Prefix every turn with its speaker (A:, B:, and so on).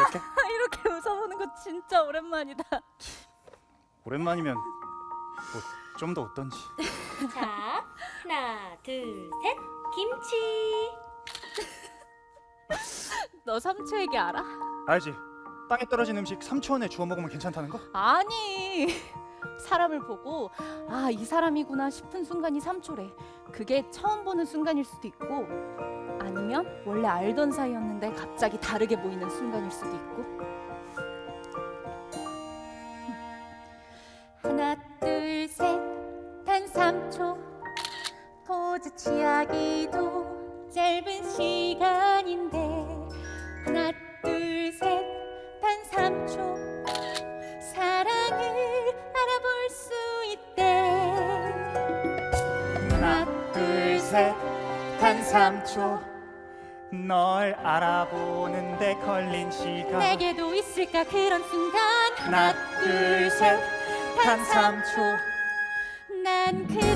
A: 이렇게?
B: 이렇게 웃어보는 거 진짜 오랜만이다.
A: 오랜만이면 뭐 좀 더 웃던지.
C: 자, 하나, 둘, 셋. 김치.
B: 너 삼초 얘기 알아?
A: 알지? 땅에 떨어진 음식 3초 안에 주워 먹으면 괜찮다는 거?
B: 아니, 사람을 보고 아, 이 사람이구나 싶은 순간이 3초래. 그게 처음 보는 순간일 수도 있고, 아니면 원래 알던 사이였는데 갑자기 다르게 보이는 순간일 수도 있고. 하나 둘 셋 단 3초, 포즈 취하기도 짧은 시간인데. 하나 둘 셋 단 3초, 사랑을 알아볼 수 있대.
A: 하나 둘 셋 단 3초, 널 알아보는데 걸린 시간.
B: 내게도 있을까 그런 순간.
A: 하나 둘 셋 단 3초,
B: 난 그대